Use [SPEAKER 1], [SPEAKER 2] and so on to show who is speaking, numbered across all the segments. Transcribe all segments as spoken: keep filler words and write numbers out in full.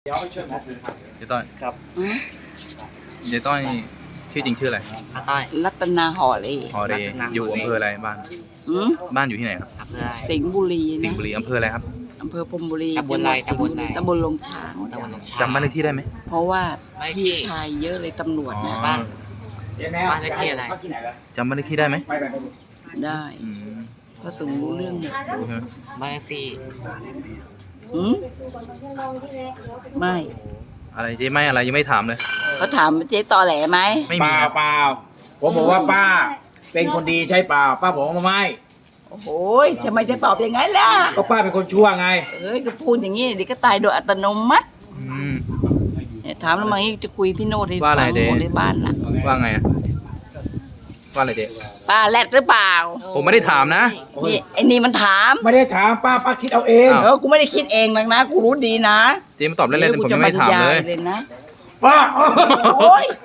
[SPEAKER 1] เดี๋ยวไปช่วยหมอคือครับ
[SPEAKER 2] เจ๊ต้อย
[SPEAKER 1] ครับ
[SPEAKER 2] เจ๊ต้อยชื่อจริงชื่ออะไร
[SPEAKER 1] อาต้อย
[SPEAKER 3] รัตนาห่อเลย
[SPEAKER 2] ฮอเรอยู่อำเภออะไรบ้านบ้านอยู่ที่ไหนครับ
[SPEAKER 3] สิงห์บุรี
[SPEAKER 2] สิงห์บุรีอำเภออะไรครับ
[SPEAKER 3] อำเภอพรมบุรี
[SPEAKER 1] ตำบลอะไรตำบลอะไร
[SPEAKER 3] ตำบลลงช้าง
[SPEAKER 2] จำบ้านเลขที่ได้ไหม
[SPEAKER 3] เพราะว่าพี่ชายเยอะเลยตำรวจนะ
[SPEAKER 2] บ้าน
[SPEAKER 1] บ้านเลขที่อะไร
[SPEAKER 2] จำบ้านเลขที่ได้ไหม
[SPEAKER 3] ได้ก็สูงรู้เรื่องเนี่ย
[SPEAKER 1] บ้านเลขที่
[SPEAKER 3] อืมไม่
[SPEAKER 2] อะไรเจ๊ไม่อะไรยังไม่ถามเลย
[SPEAKER 3] เขาถามเจ๊ตอแหลไหม
[SPEAKER 2] ไม่
[SPEAKER 4] มีเปล่าผมบอกว่าป้าเป็นคนดีใช่เปล่าป้าบอกว่าไม่
[SPEAKER 3] โอ้โหทำไมจะตอบอย่างนั้นล่ะ
[SPEAKER 4] ก็ป้าเป็นคนชั่วไง
[SPEAKER 3] เอ้ยก็พูดอย่างนี้เดี๋ยวก็ตายโดยอัตโนมัติเนี่ยถามแล้วมางี้จะคุยพี่โน้ตให้ฟังหมดในบ้านนะ
[SPEAKER 2] ว่าไงอะว่าอะไรเจ๊
[SPEAKER 3] ป้าแรดหรือเปล่า
[SPEAKER 2] ผมไม่ได้ถามนะ
[SPEAKER 3] นี่ไอ้นี่มันถาม
[SPEAKER 4] ไม่ได้ถามป้าป้าคิดเอาเอง
[SPEAKER 3] เออกูไม่ได้คิดเองหรอกนะกูรู้ดีนะ
[SPEAKER 2] เจ๊มาตอบเล่นๆผมยังไม่ถามเลย
[SPEAKER 3] นะ
[SPEAKER 4] ป้าโอ้ย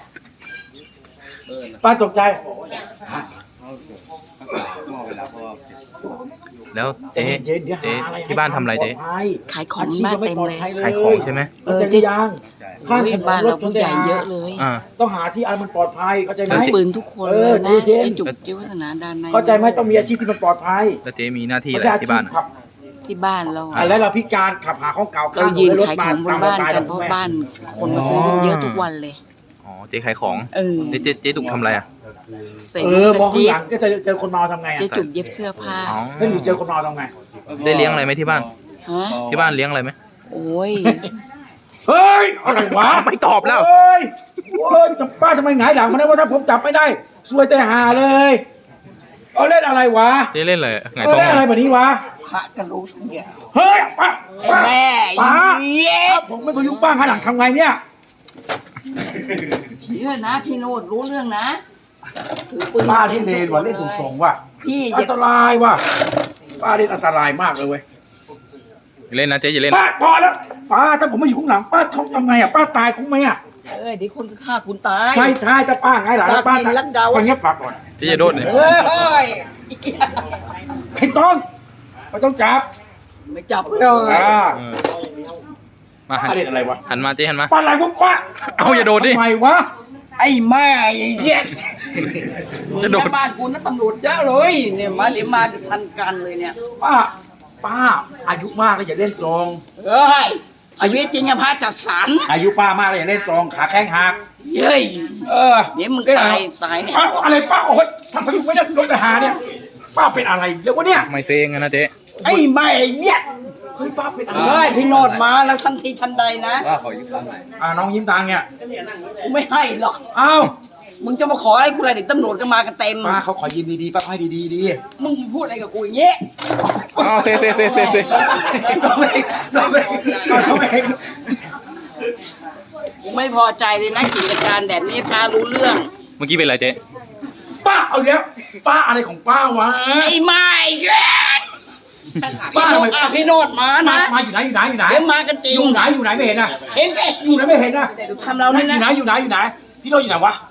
[SPEAKER 4] ป้าตกใจ
[SPEAKER 2] แล้วเจ๊เจ๊ที่บ้านทำอะไรเจ๊
[SPEAKER 3] ขายของบ้านเต็มเลย
[SPEAKER 2] ขายของใช่ไหม
[SPEAKER 4] เออเจ๊ยังข้างถนนรถชนใหญ่
[SPEAKER 3] เยอะเลย
[SPEAKER 4] ต้องหาที่อันมันปลอดภัยเข้าใจไหม
[SPEAKER 3] ปืนทุกคนเลยนะเจ๊จุกเจ๊วัฒนาดานใน
[SPEAKER 4] เข้าใจไหมต้องมีอาชีพที่มันปลอดภัย
[SPEAKER 2] แล้วเจ๊มีหน้าที่อะไรที่บ้าน
[SPEAKER 3] ที่บ้านเรา
[SPEAKER 4] แล้วเราพิการขับหาของเก่า
[SPEAKER 3] เรายืนขายของบนบ้านกันเพราะบ้านคนมาซื้อกันเยอะทุกวันเลย
[SPEAKER 2] อ๋อเจ๊ขายของ
[SPEAKER 3] เออ
[SPEAKER 2] เจ๊เจ๊ตุกทำอะไรอ่ะ
[SPEAKER 4] เออมองข้างหลังก็จะเจอคนเมาทำไงอ่ะ
[SPEAKER 3] เจ๊จุกเย็บเสื้อผ้า
[SPEAKER 4] แล้วหนูเจอคนเมาทำไง
[SPEAKER 2] ได้เลี้ยงอะไรไหมที่บ้านที่บ้านเลี้ยงอะไรไหม
[SPEAKER 3] โอ้ย
[SPEAKER 4] เฮ้ยอะไรวะ
[SPEAKER 2] ไม่ตอบแล้ว
[SPEAKER 4] เฮ้ยโอ้ยจะป้าทำไมหงายหลังมาได้ว่าถ้าผมจับไม่ได้ซวยแต่หาเลยเอาเล่นอะไรวะ
[SPEAKER 2] เจ๊เล่นอะไรไง
[SPEAKER 4] ท้องเล่นอะไรแบบนี้วะ
[SPEAKER 3] พระก็รู้ทุกอย่าง
[SPEAKER 4] เฮ้ยป้า
[SPEAKER 3] แม่
[SPEAKER 4] ป้าผมไม่พยุงป้าหงายหลังทำไงเนี่ย
[SPEAKER 3] เชื่อนะพี่โนดรู้เรื่องนะ
[SPEAKER 4] ป้าที่เล่นว่ะเล่นถูกส่งว่ะอันตรายว่ะป้าเล่นอันตรายมากเลยเว้ย
[SPEAKER 2] เล่นนะเจ๊อย่าเล่น
[SPEAKER 4] ป้าพอแล้วป้าถ้าผมไม่อยู่ข้างหลังป้าท้องทำไงอ่ะป้าตายคงไหมอ่ะ
[SPEAKER 3] เออเดี๋ยวคนฆ่าคุณตาย
[SPEAKER 4] ไม่ตายจะป้าไงหลังป้าตายมันเงียบปากก่อน
[SPEAKER 2] เจ๊จะโดนเนี่ย
[SPEAKER 3] เฮ้ย
[SPEAKER 4] ไม่ต้องไม่ต้องจับ
[SPEAKER 3] ไม่จับเลย
[SPEAKER 2] มาหัน
[SPEAKER 4] อะไรวะ
[SPEAKER 2] หันมาเจ๊หันมา
[SPEAKER 4] ป้าอะไรวะป้า
[SPEAKER 2] เอาอย่าโดนดิ
[SPEAKER 4] ทำไมวะ
[SPEAKER 3] ไอ้แม่เหี้ยจะโดนบ้านกูนะตำรวจเยอะเลยเนี่ยมาเดี๋ยวมาทันกันเลยเนี่ย
[SPEAKER 4] ป้าป้าอายุมากแล้วอย่าเล่นซอง
[SPEAKER 3] เฮ้ยอายุจริงอะพระจัดสรร
[SPEAKER 4] อายุป้ามากแล้วอย่าเล่นซองขาแข้งหัก
[SPEAKER 3] เฮ้ย
[SPEAKER 4] เออ
[SPEAKER 3] เดี๋ยวมึงตายตายเนี่ย
[SPEAKER 4] อะไรป้าโอ้ยทำสนุกไม่ได้โดนทหารเนี่ยป้าเป็นอะไรเดี๋ยววะเนี่ย
[SPEAKER 2] ไม่เซ็งนะเจ๊
[SPEAKER 3] ไอ้แม่เหี้ย
[SPEAKER 4] เฮ้ยป้าเป็นอะไร
[SPEAKER 3] เฮ้ยพี่โนดมาแล้วทันทีทันใดนะ
[SPEAKER 4] ว่าขอยืมตังค์หน่อยอ่าน้องยิ้มตังค์เนี่ย
[SPEAKER 3] กูไม่ให้หรอก
[SPEAKER 4] อ้าว
[SPEAKER 3] มึงจะมาขอให้กูอะไรเด็กตำรวจก็มากันเต็ม
[SPEAKER 4] ป้าเขาขอยืมดีๆป้าให้ดีๆดี
[SPEAKER 3] มึงพูดอะไรกับกูอย่างเงี้ย
[SPEAKER 2] อ๋อเซ่เซ่เซ่เซ่เซ่
[SPEAKER 4] เราไม่เราไม่เราไม่
[SPEAKER 3] กูไม่พอใจเลยนะกิจการแบบนี้พารู้เรื่อง
[SPEAKER 2] เมื่อกี้เป็นอะไรเจ๊
[SPEAKER 4] ป้าเอาแล้วป้าอะไรของป้าวะ
[SPEAKER 3] ไอ้ไม่แกป้าอ่ะพี่โนดมานะ
[SPEAKER 4] มาอยู่ไหนอยู่ไหนอยู่ไหน
[SPEAKER 3] เดี๋ยวมากันจริง
[SPEAKER 4] อยู่ไหนอยู่ไหนไม่เห็นนะ
[SPEAKER 3] เห็นสิ
[SPEAKER 4] อยู่ไหนไม่เห็นนะ
[SPEAKER 3] ทำเราเนี่ยนะ
[SPEAKER 4] อยู่ไหนอยู่ไหนอยู่ไหนพี่โนดอยู่ไหนวะ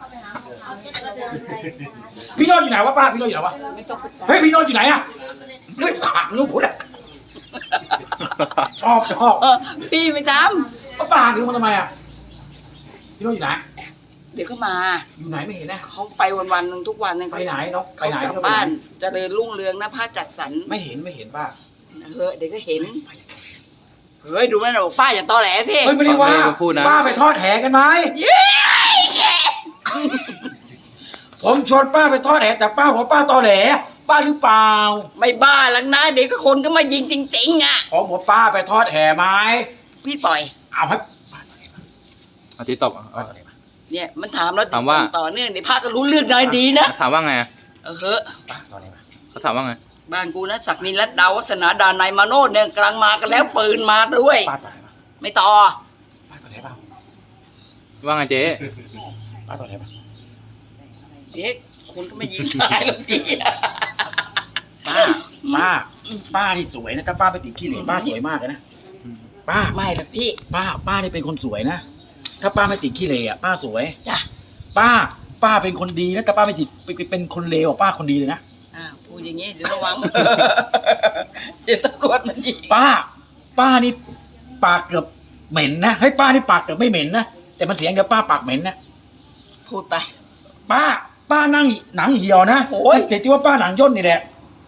[SPEAKER 4] พี่โนดอยู่ไหนวะป้าพี่โนดอยู่ไหนวะเฮ้ยพี่โนดอยู่ไหนอะเฮ้ยหักนิ้วคุณอะชอบชอบ
[SPEAKER 3] พี่ไม่ท
[SPEAKER 4] ำป้าป้าหักนิ้วมันทำไมอะพี่โนดอยู่ไหน
[SPEAKER 3] เดี๋ยวก็มา
[SPEAKER 4] อยู่ไหนไม่เห็นนะ
[SPEAKER 3] เขาไปวันวันหนึ่งทุกวันนึง
[SPEAKER 4] ไปไหนเนาะไปไหน
[SPEAKER 3] กลับบ้านเจริญรุ่งเรืองนะผ้าจัดสรร
[SPEAKER 4] ไม่เห็นไม่เห็นป้า
[SPEAKER 3] เฮ้ยเดี๋ยวก็เห็นเฮ้ยดูนั่นบอกป้าอย่าตอแหลพี่
[SPEAKER 4] เฮ้ยไม่ได้ว่าป้าไปทอดแหกันไหมผมชวนป้าไปทอดแหแต่ป้าบอกป้าตอแหลป้าหรือเปล่า
[SPEAKER 3] ไม่บ้าหลังนะเดี๋ยวก็คนก็มายิงจริงๆอ่ะ
[SPEAKER 4] ผมบอกป้าไปทอดแหไหม
[SPEAKER 3] พี่ปล่อย
[SPEAKER 4] เอาให้
[SPEAKER 2] อาทิตย์ตอบ
[SPEAKER 3] เนี่ยมันถามแล้ว
[SPEAKER 2] ถามว่า
[SPEAKER 3] ต่อเนื่องในภาคก็รู้เรื่องได้ดีนะ
[SPEAKER 2] ถามว่าไง
[SPEAKER 3] เออเฮ้อ
[SPEAKER 2] เขาถามว่าไง
[SPEAKER 3] บ้านกูนะศักดินรัตน์ดาววัฒนาดานายมาโนดเนี่ยกำลังมากันแล้วปืนมาด้วยไม่ต่อ
[SPEAKER 4] ป้าต่อไหนเปล่า
[SPEAKER 2] ว่าไงเจ๊
[SPEAKER 4] ป้าต่อไหนเปล่า
[SPEAKER 3] เด็กคุณก็ไม่ยิงตายหรอกพี่
[SPEAKER 4] ป้าป้าป้านี่สวยนะถ้าป้าไปติดขี้เหร่ป้าสวยมากเลยนะป้า
[SPEAKER 3] ไม่หรอกพี่
[SPEAKER 4] ป้าป้านี่เป็นคนสวยนะถ้าป้าไม่ติดขี้เหร่อะป้าสวย
[SPEAKER 3] จ้ะ
[SPEAKER 4] ป้าป้าเป็นคนดีนะแต่ป้าไม่ติดเป็นคนเลวป้าคนดีเลยนะ
[SPEAKER 3] อ่าพูดอย่างงี้เดี๋ยวระวังเดี๋ยวตำรวจมันยิง
[SPEAKER 4] ป้าป้านี่ปากเกือบเหม็นนะให้ป้านี่ปากแต่ไม่เหม็นนะแต่มันเสียงเดียวป้าปากเหม็นนะ
[SPEAKER 3] พูดไป
[SPEAKER 4] ป้าป้านั่งหนังเหี่ยวนะ
[SPEAKER 3] โอ้ย
[SPEAKER 4] เด็กที่ว่าป้าหนังย่นนี่แหละ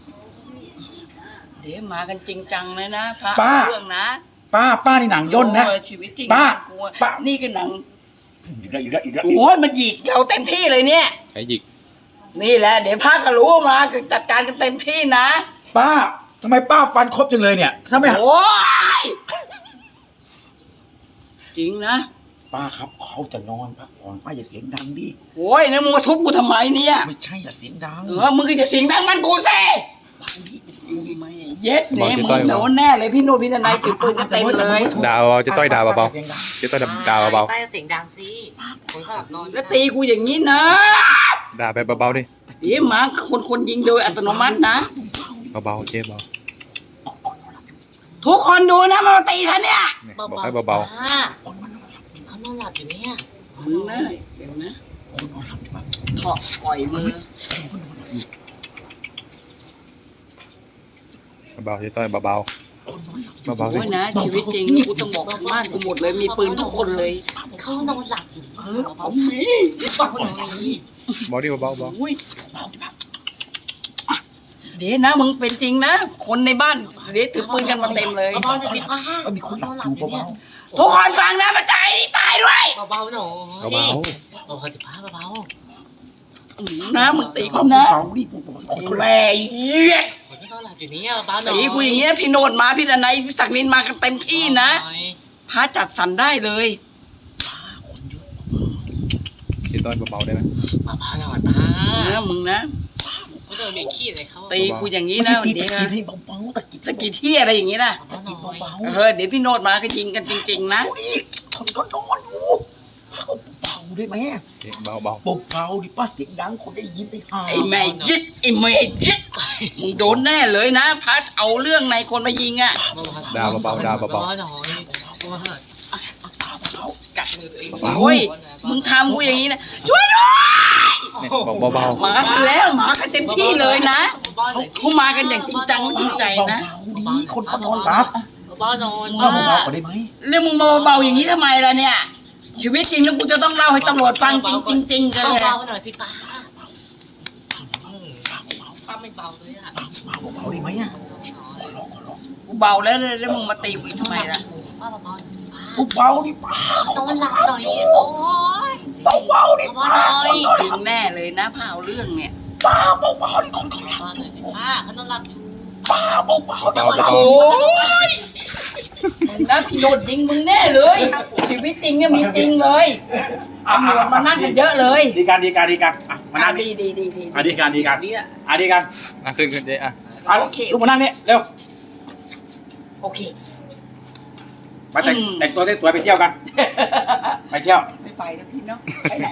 [SPEAKER 3] เดี๋ยวมากันจริงจังเลยนะพระ
[SPEAKER 4] ป้า
[SPEAKER 3] เรื่องนะ
[SPEAKER 4] ป้าป้านี่หนังย่นนะ
[SPEAKER 3] โอ้ชีวิตจริง
[SPEAKER 4] ป้า
[SPEAKER 3] กลัว
[SPEAKER 4] ป้า
[SPEAKER 3] นี่ก็หนัง
[SPEAKER 4] อีกแล้วอีกแล้วอีกแล้ว
[SPEAKER 3] โอ้ยมันหยิกเราเต็มที่เลยเนี่ย
[SPEAKER 2] ใช้หยิก
[SPEAKER 3] นี่แหละเดี๋ยวพระก็รู้มาจัดการกันเต็มที่นะ
[SPEAKER 4] ป้าทำไมป้าฟันครบจังเลยเนี่ยถ้าไม่หัก
[SPEAKER 3] โอ้ยจริงนะ
[SPEAKER 4] ป้าครับเขาจะนอนพักผ่อนป้าอย่าเสียงดังดิ
[SPEAKER 3] โอ้ยแล้วมึงมาทุบกูทำไมเนี่ย
[SPEAKER 4] ไม่ใช่อย่าเสียงดัง
[SPEAKER 3] เออมึงก็จะเสียงดังมันกูสิไม่เย็ดเนี่ยมึงโดนแน่เลยพี่โนพี่ทนายถือปืนกันเต็มเลย
[SPEAKER 2] ด่าเบาๆเจะต้อยด่าเบา
[SPEAKER 4] เสียงดัง
[SPEAKER 2] ๆเจะต้อยด่าเบา
[SPEAKER 1] ป้าจะเสียงดังสิคนเขาหลับนอน
[SPEAKER 3] แล้วตีกูอย่างนี้นะ
[SPEAKER 2] ๆด่าไปเบาๆดิ
[SPEAKER 3] เดี๋ยวมาคนคนยิงโดยอัตโนมัตินะ
[SPEAKER 2] เบาๆเจ๊เบา
[SPEAKER 3] ทุกคนดูนะมันมาตีฉันเนี่ย
[SPEAKER 2] เนี่ยบอกให้เบา
[SPEAKER 1] เขานอนหลับอยู่เนี่ย
[SPEAKER 3] มึงนะเห็นไหมถอดปล่อยมือ
[SPEAKER 2] ๆเบาๆเจ๊ต้อยเบาๆเบาๆสิ
[SPEAKER 3] โอ้ยนะชีวิตจริงกูต้องบอกทางบ้านกูหมดเลยมีปืนทุกคนเลย
[SPEAKER 1] เขานอนหลับอยู่
[SPEAKER 3] เออผมมี
[SPEAKER 1] เขานอนอย่างนี้
[SPEAKER 2] เบาดิเบาๆเบา
[SPEAKER 3] อุ้ยเดี๋ยวนะมึงเป็นจริงนะ คนในบ้านเดี๋ยวถือปืนกันมาเต็มเลย
[SPEAKER 1] เบาๆจะสิป้า
[SPEAKER 4] เออมีคนหลับอยู่เบา
[SPEAKER 3] ทุกคนฟังนะมาใจนี่ตายด้วย
[SPEAKER 1] เบาๆหน่อย
[SPEAKER 2] เบา
[SPEAKER 1] เบาๆสิป้าเบา
[SPEAKER 3] อืมนะมึงตี
[SPEAKER 4] ๆ
[SPEAKER 3] กูนะ
[SPEAKER 4] เบาๆดิคนคน
[SPEAKER 3] แม่เหี้ย
[SPEAKER 1] ๆคนที่นอนหลับอยู่เนี่ยเบาๆหน่อย
[SPEAKER 3] ตีกูอย่างเงี้ยพี่โนดมาพี่ดนัยพี่ศักดินมากันเต็มที่นะพระจัดสรรได้เลย
[SPEAKER 2] ๆเจ๊ต้อยเบาๆได้ไหม
[SPEAKER 1] เบาๆหน่อยป้า
[SPEAKER 3] นะมึงนะ
[SPEAKER 1] ไม่ต้องมีขี้เลยเขา
[SPEAKER 3] ตีกูอย่างนี้
[SPEAKER 4] ไม่
[SPEAKER 3] นะ
[SPEAKER 4] ใช่ตี
[SPEAKER 3] เดี๋ยว
[SPEAKER 4] ตะ
[SPEAKER 3] นะ
[SPEAKER 4] กิดให้เบาๆตะกิด
[SPEAKER 3] สกิดที่อะไรอย่างนี้นะ
[SPEAKER 1] เบาๆหน่อย
[SPEAKER 4] เบา
[SPEAKER 3] เออเดี๋ยวพี่โนดมาก็ยิงกันจริงๆนะ
[SPEAKER 4] ๆดิคนก็นอนอยู่เบาๆได้ไหม
[SPEAKER 2] เจ๊เบา
[SPEAKER 4] เบาๆดิป้าเสียงดังคนได้ยินได้ห่า
[SPEAKER 3] ไอ้แม่ยึดไอ้แม่ยึดมึงโดนแน่เลยนะพัดเอาเรื่องในคนมายิงอ่ะ
[SPEAKER 2] ๆด่าเบาๆด่าเบา
[SPEAKER 1] เบาๆหน่อยเบาๆหน่อยกัดมือตัวเอง
[SPEAKER 3] โอ้ยมึงทำกูอย่างนี้นะช่วยด้วย
[SPEAKER 2] ๆเนี่ยบอกเบา
[SPEAKER 3] มากันแล้วมากันเต็มที่เลยนะเขามากันอย่างจริงจังจริงใจนะ
[SPEAKER 4] เบาๆดิคนก็นอนหลับ
[SPEAKER 1] เบาๆหน่อย
[SPEAKER 4] ป้าเบาๆก็ได้ไหม
[SPEAKER 3] เรื่องมึงมาเบาๆอย่างนี้ทำไมล่ะเนี่ย ชีวิตจริงแล้วกูจะต้องเล่าให้ตำรวจฟังจริงๆจริงๆกันเลย
[SPEAKER 1] เบาๆหน่อยสิป้าป้าไม่เบาเลยอ่ะ
[SPEAKER 4] เบาๆได้ไหมอ่ะ
[SPEAKER 3] กูเบาแล้วแล้วมึงมาตีกูอีกทำไมล่ะ
[SPEAKER 1] ป้าเบาๆหน่อยสิป้า
[SPEAKER 4] เบาๆดิป้าน
[SPEAKER 1] อนหลับหน่อยโอ้ย
[SPEAKER 4] เบาๆดิ
[SPEAKER 1] เบาๆหน่อย
[SPEAKER 3] ยิงแน่เลยนะพาเอาเรื่องเนี่ย
[SPEAKER 4] ป้าเบาๆดิคนเขาหลับ
[SPEAKER 1] เบาๆหน่อยสิป้าเขานอนหลับอยู่
[SPEAKER 4] ป้าเบาๆ
[SPEAKER 2] ๆเบาๆเบา
[SPEAKER 3] โอ้ยมึงนะพี่โดนยิงมึงแน่เลย ชีวิตจริงเนี่ยมีจริงเลยตำรวจมานั่งกันเยอะเลย
[SPEAKER 4] ดีกันดีกันดีกันอ่ะมานั่ง
[SPEAKER 3] ดีดีดีดี
[SPEAKER 4] อ่ะดีกันดีกัน
[SPEAKER 3] เนี่ย
[SPEAKER 4] อ่ะดีกัน
[SPEAKER 2] ๆนั่งขึ้นขึ้นเจ๊อ่ะ
[SPEAKER 4] อ่ะลูกมานั่งนี่เร็ว
[SPEAKER 3] โอเค
[SPEAKER 4] มาแต่ง
[SPEAKER 3] อืม
[SPEAKER 4] แต่งตัวสวยๆไปเที่ยวกัน ไปเที่ยว
[SPEAKER 3] ไม่ไปนะพี่เนาะไปไหน